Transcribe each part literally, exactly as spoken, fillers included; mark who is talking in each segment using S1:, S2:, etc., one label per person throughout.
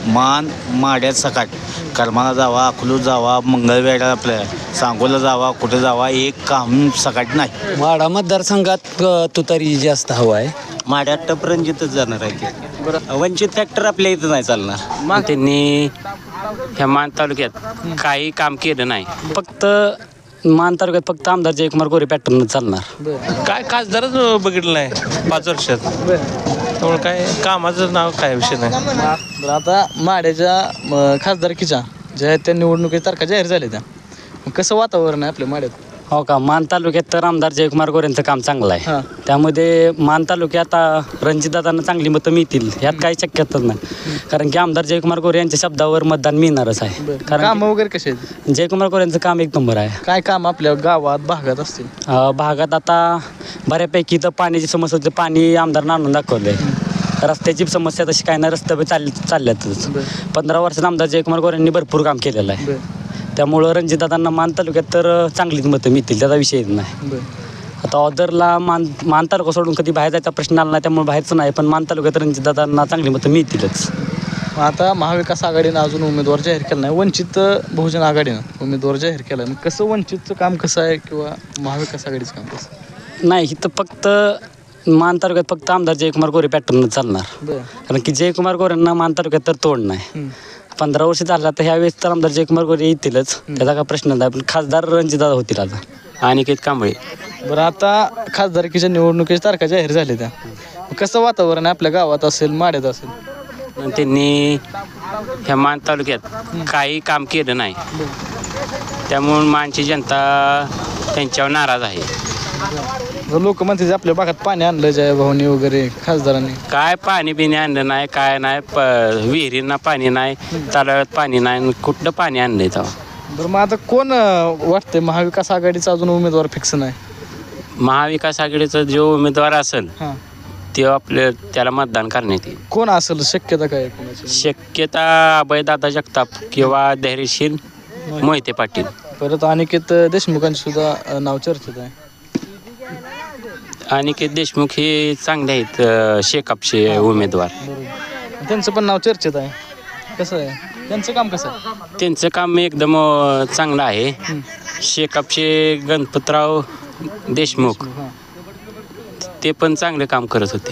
S1: मान माड्यात सकाट करमाला जावा, अकलूज जावा, मंगळवेढा आपल्या सांगोला जावा, कुठे जावा, एक काम सकाट नाही.
S2: माढा मतदारसंघात अ, तुतारी जास्त हवा आहे.
S1: माड्यात टप रणजितच जाणार आहे ते. वंचित फॅक्टर आपल्या इथं नाही चालणार.
S3: मग त्यांनी ह्या मान तालुक्यात काही काम केलं नाही.
S2: फक्त मान तालुक्यात फक्त आमदार जयकुमार गोरे पॅटर्न चालणार.
S4: काय खासदारच बघितलं नाही पाच वर्षात. त्यामुळे काय कामाचं नाव काय विषय नाही.
S5: बरं आता माड्याच्या म, खासदारकीच्या ज्या आहेत त्या निवडणुकीच्या तारखा जाहीर झाल्या त्या मग कसं वातावरण आहे आपल्या माड्यात?
S2: हो का, मान तालुक्यात तर आमदार जयकुमार गोरेंचं काम चांगलं आहे.
S5: हां.
S2: त्यामध्ये मान तालुक्यात रणजितदादांना चांगली मतं मिळतील यात काही शक्यताच नाही. कारण की आमदार जयकुमार गोरे यांच्या शब्दावर मतदान मिळणारच आहे. कारण
S5: काम वगैरे कसे आहेत?
S2: की जयकुमार गोरेंचं काम एक नंबर आहे.
S5: काय काम आपल्या गावात भागात असतील?
S2: अ, भागात आता बऱ्यापैकी तर पाण्याची समस्या होती. पाणी आमदारनं आणून दाखवलं आहे. रस्त्याची समस्या तशी काय नाही, रस्ते चाल चालल्यातच. पंधरा वर्षात आमदार जयकुमार गोरेंनी भरपूर काम केलेलं आहे. त्यामुळं रणजितदादांना मान तालुक्यात तर चांगलीच मतं मिळतील, त्याचा विषय नाही. आता ऑदरला मान मान तालुका सोडून कधी बाहेर जायचा प्रश्न आला नाही, त्यामुळे बाहेरचं नाही. पण मान तालुक्यात रणजितदादांना चांगली मतं मिळतीलच.
S5: मग आता महाविकास आघाडीनं अजून उमेदवार जाहीर केला नाही, वंचित बहुजन आघाडीनं उमेदवार जाहीर केला. मग कसं वंचितचं काम कसं आहे किंवा महाविकास आघाडीचं काम कसं?
S2: नाही, इथं फक्त मान तालुक्यात फक्त आमदार जयकुमार गोरे पॅटर्न चालणार.
S5: बरं.
S2: कारण की जयकुमार गोरेंना मान तालुक्यात तर तोड नाही. पंधरा वर्ष झाला तर ह्यावेळेस तर आमदार जयकुमार गोरे येतीलच, त्याचा काय प्रश्न नाही. पण खासदार रणजितदादा होतील आता.
S3: अनिकेत कांबळे.
S5: बरं आता खासदारकीच्या निवडणुकीच्या तारखा जाहीर झाल्या त्या मग कसं वातावरण आहे आपल्या गावात असेल माड्यात असेल?
S3: आणि त्यांनी ह्या मान तालुक्यात काही काम केलं नाही. त्यामुळे मानची जनता त्यांच्यावर नाराज आहे.
S5: लोक म्हणते आपल्या भागात पाणी आणलं जय भाऊनी वगैरे खासदारांनी.
S3: काय पाणी बिणी आणलं नाही, काय नाही. प विहिरींना पाणी नाही, तलावात पाणी नाही, कुठलं पाणी आणलंय तेव्हा.
S5: बरं मग आता कोण अं, वाटतंय महाविकास आघाडीचा अजून उमेदवार फिक्स नाही?
S3: महाविकास आघाडीचा जो उमेदवार असेल
S5: हां.
S3: ते आपल्या त्याला मतदान करण्यात येईल.
S5: कोण असेल शक्यता काय आहे कोणाची?
S3: शक्यता अभयदादा जगताप किंवा धैर्यशील मोहिते पाटील.
S5: परत अनिकेत देशमुखांची सुद्धा अं, नाव चर्चेत आहे.
S3: अनिकेत देशमुख हे चांगले आहेत, अ, शेकापचे उमेदवार.
S5: त्यांचं पण नाव चर्चेत आहे. कसं आहे त्यांचं काम कसं आहे?
S3: त्यांचं काम एकदम अ, चांगलं आहे. शेकापचे गणपतराव देशमुख ते पण चांगले काम करत होते.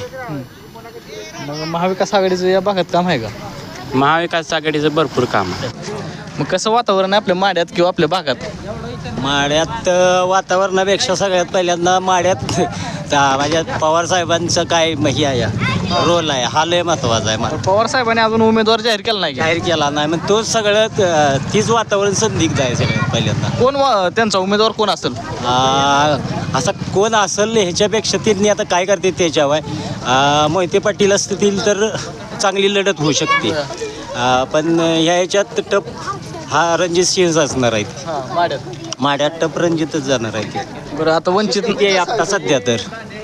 S5: मग महाविकास आघाडीचं या भागात काम आहे का?
S3: महाविकास आघाडीचं भरपूर काम आहे.
S5: मग कसं वातावरण आहे आपल्या माड्यात किंवा आपल्या भागात?
S1: माड्यात अ, वातावरणापेक्षा सगळ्यात पहिल्यांदा माड्यात ता- माझ्या पवार साहेबांचं काय हे आहे रोल आहे, हा लय महत्त्वाचा आहे. मला
S5: पवार साहेबांनी अजून उमेदवार जाहीर केला नाही का?
S1: जाहीर केला नाही, मग तोच सगळं अ, तीच वातावरण संदिग्ध आहे सगळ्यात पहिल्यांदा.
S5: कोण वा- त्यांचा उमेदवार कोण असेल?
S1: आ, असा कोण असेल ह्याच्यापेक्षा त्यांनी आता काय करते त्याच्यावर आ, मोहिते पाटील असतील तर चांगली लढत होऊ शकते. आ, पण ह्या ह्याच्यात टप हा रणजित सिंह असणार आहे.
S5: हां, माड्यात.
S1: माड्यात टप रणजितच जाणार आहे ते.
S5: बरं आता वंचित
S1: ते आता सध्या तर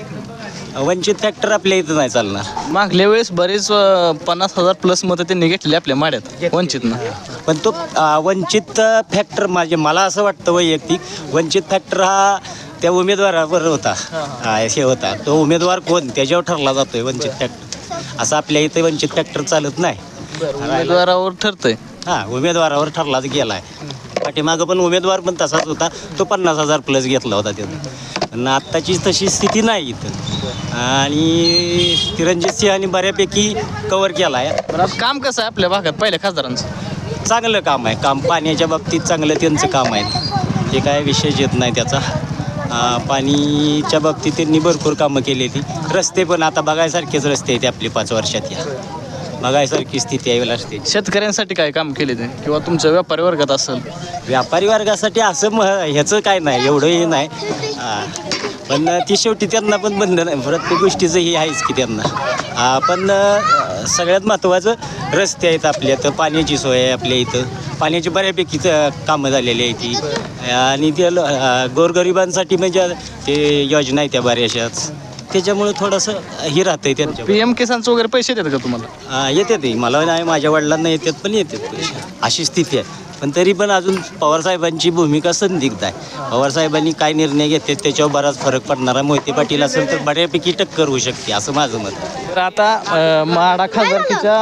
S1: वंचित फॅक्टर आपल्या इथं नाही चालणार.
S5: मागल्या वेळेस बरेच अं, पन्नास हजार प्लस मतं त्यांनी घेतली आपल्या माड्यात वंचितनं.
S1: पण तो आ, वंचित फॅक्टर माझे मला असं वाटतं वैयक्तिक वंचित फॅक्टर हा त्या उमेदवारावर होता. हा, हे होता तो उमेदवार कोण त्याच्यावर ठरला जातोय वंचित फॅक्टर. असं आपल्या इथे वंचित फॅक्टर चालत नाही.
S5: उमेदवारावर ठरतंय.
S1: हा, उमेदवारावर ठरलाच गेला आहे. पाठीमागं पण उमेदवार पण तसाच होता, तो पन्नास हजार प्लस घेतला होता त्यानं. पण आत्ताची तशी स्थिती नाही इथं. आणि रणजित सिंहाने बऱ्यापैकी कव्हर केला आहे.
S5: बरं आता काम कसं आहे आपल्या भागात पहिल्या खासदारांचं?
S1: चांगलं काम आहे. काम पाण्याच्या बाबतीत चांगलं त्यांचं काम आहे, ते काय विषयच येत नाही त्याचा. आ, पाणीच्या बाबतीत त्यांनी भरपूर कामं केली. रस्ते पण आता बघायसारखेच रस्ते आहेत आपले पाच वर्षात, या बघायसारखी स्थिती आहे रस्ते.
S5: शेतकऱ्यांसाठी काय काम केले ते किंवा तुमच्या व्यापारी वर्गात असेल?
S1: व्यापारी वर्गासाठी असं म ह्याचं काय नाही, एवढंही नाही. आ, पण ती शेवटी त्यांना पण बंधन आहे, प्रत्येक गोष्टीचं हे आहेच की त्यांना. आ, पण अ, सगळ्यात महत्त्वाचं रस्ते आहेत आपल्या तर पाण्याची सोय आहे आपल्या इथं. पाण्याची बऱ्यापैकी कामं झालेली आहे ती. आणि ते ल- अ, गोरगरिबांसाठी म्हणजे ते योजना आहे त्या बऱ्याचशाच, त्याच्यामुळे थोडंसं हे राहतं आहे त्यांच्या.
S5: पी एम किसानचं वगैरे पैसे देतात का तुम्हाला?
S1: येते ते मला नाही, माझ्या वडिलांना येतात पण येतात पैसे, अशी स्थिती आहे. पण तरी पण अजून पवारसाहेबांची भूमिका संदिग्ध आहे. पवारसाहेबांनी काय निर्णय घेतले त्याच्यावर बराच फरक पडणारा. मोहिते पाटील असेल तर बऱ्यापैकी टक्कर होऊ शकते असं माझं मत आहे.
S5: तर आता अ, माढा खासदारकीच्या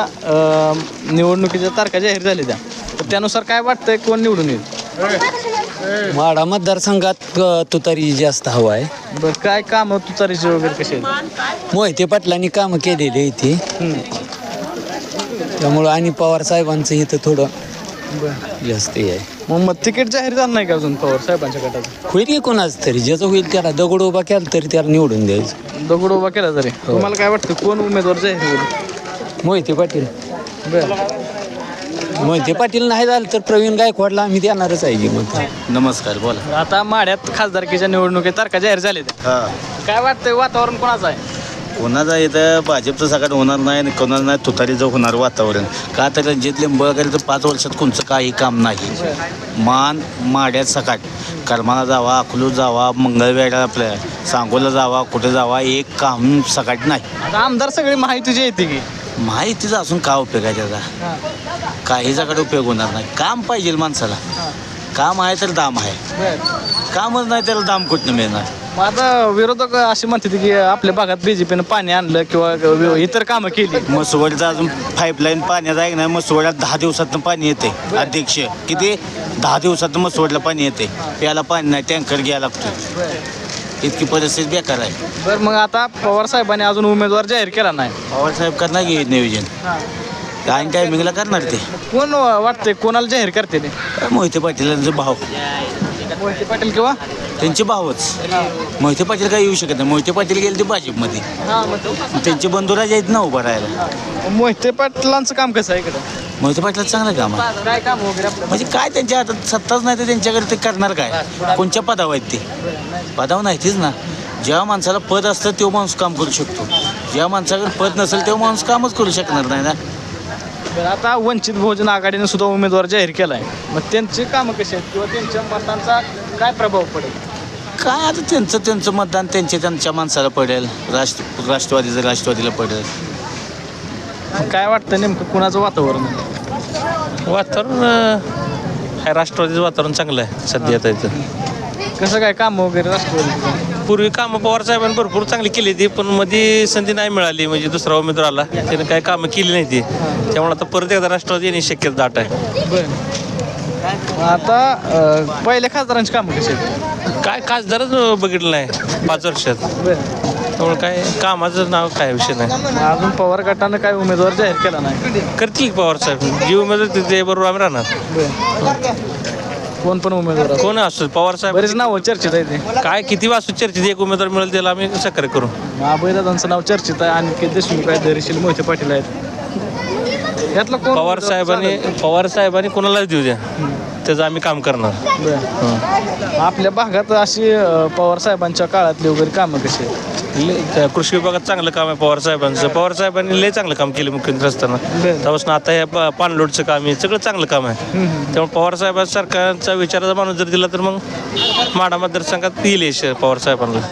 S5: अ, निवडणुकीच्या तारखा जाहीर झाल्या त्या तर त्यानुसार काय वाटतंय कोण निवडून येईल?
S6: माढा मतदारसंघात अ, तुतारी जास्त हवा आहे.
S5: बरं काय काम तुतारीचे वगैरे कसे आहेत?
S6: मोहिते पाटलांनी कामं केलेली आहे इथे,
S5: हम्म.
S6: त्यामुळं आणि पवार साहेबांचं इथं थोडं
S5: बरं
S6: जास्त हे आहे.
S5: मग मग तिकीट जाहीर झालं नाही का अजून पवार साहेबांच्या गटाचं?
S6: होईल की कोणाच तरी, ज्याचं होईल त्याला दगड उभा केला तरी त्याला निवडून द्यायचं.
S5: दगड उभा केला तरी तुम्हाला काय वाटतं कोण उमेदवार जाहीर होईल?
S6: मोहिते पाटील
S5: बरं
S6: मोहिते पाटील नाही झालं तर प्रवीण गायकवाडला आम्ही देणारच आहे की मग.
S1: नमस्कार बोला.
S5: आता माढ्यात खासदारकीच्या निवडणुकीत तारखा जाहीर झाल्या त्या
S1: हां
S5: काय वाटतंय वातावरण कोणाचं आहे?
S1: कोणाचा इथं भाजपचं सगळं होणार नाही आणि कोणाला नाही तुतारीचं होणार वातावरण. का तर रणजित लिंबाळकरचं पाच वर्षात कोणचं काही काम नाही. मान माड्यात सकाट करमाला जावा, अकलूज जावा, मंगळवेढा आपल्या सांगोला जावा, कुठे जावा, एक काम सकाट नाही.
S5: आता आमदार सगळी माहितीची येते की
S1: माहितीचा असून का उपयोग आहे त्याचा? काहीच्याकडे उपयोग होणार नाही. काम पाहिजे माणसाला. काम आहे तर दाम आहे. कामच नाही त्याला दाम कुठनं मिळणार?
S5: मग आता विरोधक असे म्हणतात की आपल्या भागात बीजेपीनं पाणी आणलं किंवा इतर कामं केली.
S1: मसवडचा अजून पाईपलाईन पाण्याचा आहे ना, मसवड्यात दहा दिवसातनं पाणी येते. अध्यक्ष किती दहा दिवसातनं मसवडला पाणी येते. प्यायला पाणी नाही, टँकर घ्यायला लागतो. इतकी परिस्थिती बेकार आहे.
S5: बरं मग आता पवार साहेबांनी अजून उमेदवार जाहीर केला नाही.
S1: पवारसाहेब करणार की नियोजन? काय टायमिंगला करणार ते.
S5: कोण वाटतंय कोणाला जाहीर करते ते?
S1: मोहिते पाटीलांचे भाव,
S5: मोहिते पाटील किंवा
S1: त्यांचे भावच. मोहिते पाटील काय येऊ शकत नाही. मोहिते पाटील गेले ते भाजपमध्ये. त्यांचे बंधुराज आहेत ना उभं राहायला.
S5: मोहिते पाटलांचं काम कसं आहे इकडं?
S1: मोहिते पाटलाचं चांगलं काम आहे.
S5: काय काम वगैरे आपलं?
S1: म्हणजे काय त्यांच्या हातात सत्ताच नाही तर त्यांच्याकडे ते करणार काय? कोणत्या पदावर आहेत ते? पदावर नाहीतीच ना. ज्या माणसाला पद असतं तो माणूस काम करू शकतो. ज्या माणसाकडे पद नसेल तेव्हा माणूस कामच करू शकणार नाही ना.
S5: बरं, आता वंचित बहुजन आघाडीने सुद्धा उमेदवार जाहीर केला आहे. मग त्यांची कामं कशी आहेत किंवा त्यांच्या मतांचा काय प्रभाव पडेल?
S1: काय आता त्यांचं त्यांचं मतदान त्यांच्या त्यांच्या माणसाला पडेल. राष्ट्र राष्ट्रवादीचं राष्ट्रवादीला पडेल.
S5: काय वाटतं नेमकं कुणाचं वातावरण आहे?
S4: वातावरण अं, आहे राष्ट्रवादीचं वातावरण चांगलं आहे सध्या आता इथं.
S5: कसं काय काम वगैरे राष्ट्रवादी?
S4: पूर्वी कामं पवार साहेबांनी भरपूर चांगली केली ती, पण मध्ये संधी नाही मिळाली. म्हणजे दुसरा उमेदवार आला त्याने काही कामं केली नाही ती, त्यामुळे आता परत एकदा राष्ट्रवादी येण्याची शक्यता दाट आहे.
S5: बरं आता अं, पहिल्या खासदारांची कामं कशी आहेत?
S4: काय खासदारच बघितलं नाही पाच वर्षात,
S5: बरं
S4: त्यामुळे काय कामाचं नाव काय विषय नाही.
S5: अजून पवार गटानं काय उमेदवार जाहीर केला नाही.
S4: करतील की पवार साहेब, जी उमेदवार ते बरोबर आम्ही राहणार.
S5: बरं कोण पण उमेदवार असो.
S4: कोण असतो पवार साहेब,
S5: बरेच नाव चर्चेत आहे ते.
S4: काय किती वाजता चर्चेत एक उमेदवार मिळेल त्याला आम्ही सक्रिय करू.
S5: महाबळदादांचं नाव चर्चेत आहे. आणखी देशमुख आहेत, धैर्यशील मोहिते पाटील आहेत. यातलं कोण
S4: पवार साहेबांनी पवार साहेबांनी कोणालाच देऊ द्या, त्याचं आम्ही काम करणार.
S5: बरं. आपल्या भागात अशी अं, पवार साहेबांच्या काळातली वगैरे कामं कशी आहेत?
S4: लय- कृषी विभागात चांगलं काम आहे पवार साहेबांचं. पवार साहेबांनी लय चांगलं काम केलं मुख्यमंत्री असताना. त्यापासून आता हे प- पाणलोटचं काम आहे, सगळं चांगलं काम आहे. त्यामुळे पवार साहेबांचा सरकारचा विचाराचा माणूस जर दिला तर मग माढा मतदारसंघात येईल यश पवार साहेबांना.